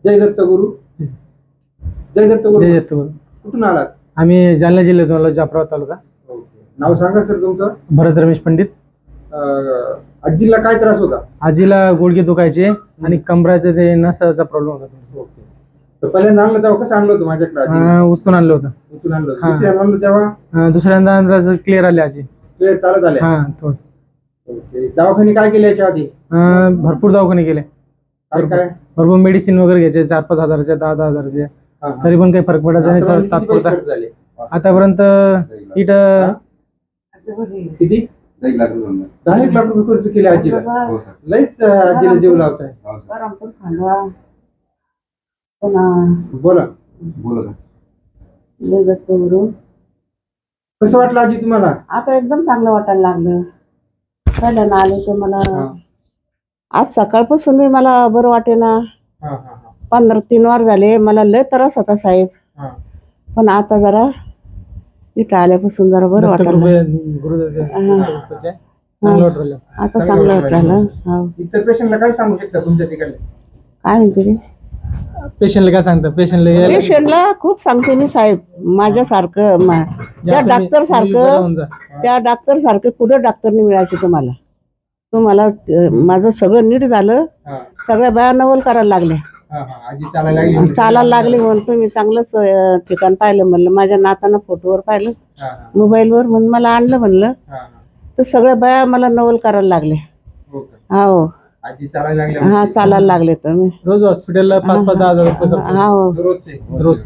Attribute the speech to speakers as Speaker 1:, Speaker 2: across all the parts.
Speaker 1: जय दत्त गुरु. जय दत्त गुरु.
Speaker 2: जय दत्त गुरु.
Speaker 1: कुठून आलात?
Speaker 2: आम्ही जालना जिल्ह्यातून आलो, जाफराबाद तालुका.
Speaker 1: नाव सांगा सर तुमचं.
Speaker 2: भरत रमेश पंडित.
Speaker 1: आजीला काय त्रास होता?
Speaker 2: आजीला गुडघे दुखायचे आणि कमराचे ते नसाचा प्रॉब्लेम होता.
Speaker 1: ओके. तर पहिल्यांदा आणलं तेव्हा कसं आणलं होतं माझ्याकडे?
Speaker 2: उचलून आणलं होतं.
Speaker 1: उचलून आणलं. दुसऱ्यांदा आणलं तेव्हा?
Speaker 2: दुसऱ्यांदा अंदाज क्लिअर आले आजी.
Speaker 1: क्लिअर चालत आले?
Speaker 2: थोडं.
Speaker 1: ओके. दवाखाने काय केले याच्या आधी?
Speaker 2: भरपूर दवाखाने केले.
Speaker 1: काय?
Speaker 2: भरपूर मेडिसिन वगैरे घ्यायचे, 4-5 हजाराचे, 10-10 हजाराचे. तरी पण काही फरक पडायचा नाही. तर तात्पुरता आतापर्यंत
Speaker 1: किती? 10 लाख रुपये खर्च केले आजीला. लईच आजीला जीव लावताय. बोला. कसं वाटलं आजी तुम्हाला?
Speaker 3: आता एकदम चांगलं वाटायला लागलं. पहिल्यांदा आले तर मला आज सकाळपासून मला बरं वाटेना. 15-3 वार झाले. मला लय त्रास होता साहेब, पण आता जरा इथं आल्यापासून जरा बरं वाटायला. आता चांगलं वाटलं.
Speaker 1: इतर पेशंटला काय सांगू शकता तुमच्या तिकडे?
Speaker 3: काय म्हणते ते
Speaker 2: पेशंटला काय सांगता?
Speaker 3: पेशंटला खूप सांगते मी साहेब, माझ्यासारखं त्या डॉक्टर सारखं कुठं डॉक्टरने मिळायचे तुम्हाला. माझं सगळं नीट झालं. सगळ्या बाया नवल करायला लागल्या, चालायला लागले. म्हणून तुम्ही चांगलंच ठिकाण पाहिलं म्हणलं. माझ्या नातानं फोटोवर पाहिलं, मोबाईलवर, म्हणून मला आणलं म्हणलं. तर सगळ्या बाया मला नवल करायला लागल्या. हो, चालायला लागले. तर मी
Speaker 2: रोज हॉस्पिटलला 5-10 हजार रुपये खर्च.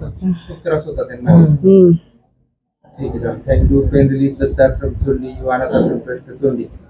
Speaker 1: थँक्यू. पेन रिलीफ दत्ताश्रम सोडली, वानाश्रम ट्रस्ट सोडली.